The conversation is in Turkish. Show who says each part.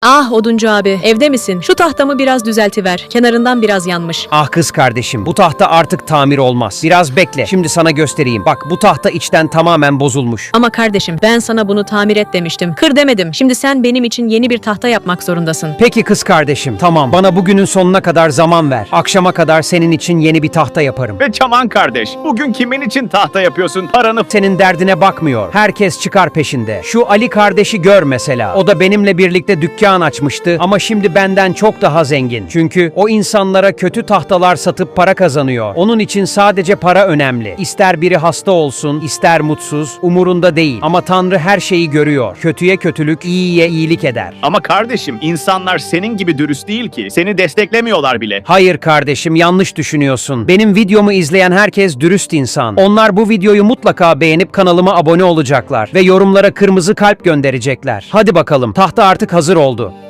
Speaker 1: Ah oduncu abi, evde misin? Şu tahtamı biraz düzeltiver. Kenarından biraz yanmış.
Speaker 2: Ah kız kardeşim, bu tahta artık tamir olmaz. Biraz bekle, şimdi sana göstereyim. Bak, bu tahta içten tamamen bozulmuş.
Speaker 1: Ama kardeşim, ben sana bunu tamir et demiştim. Kır demedim. Şimdi sen benim için yeni bir tahta yapmak zorundasın.
Speaker 2: Peki kız kardeşim, tamam. Bana bugünün sonuna kadar zaman ver. Akşama kadar senin için yeni bir tahta yaparım.
Speaker 3: Ve Çaman kardeş, bugün kimin için tahta yapıyorsun? Paranı
Speaker 2: Senin derdine bakmıyor. Herkes çıkar peşinde. Şu Ali kardeşi gör mesela. O da benimle birlikte dükkan açmıştı ama şimdi benden çok daha zengin. Çünkü o insanlara kötü tahtalar satıp para kazanıyor. Onun için sadece para önemli. İster biri hasta olsun, ister mutsuz, umurunda değil. Ama Tanrı her şeyi görüyor. Kötüye kötülük, iyiye iyilik eder.
Speaker 3: Ama kardeşim, insanlar senin gibi dürüst değil ki. Seni desteklemiyorlar bile.
Speaker 2: Hayır kardeşim, yanlış düşünüyorsun. Benim videomu izleyen herkes dürüst insan. Onlar bu videoyu mutlaka beğenip kanalıma abone olacaklar ve yorumlara kırmızı kalp gönderecekler. Hadi bakalım, tahta artık hazır oldu.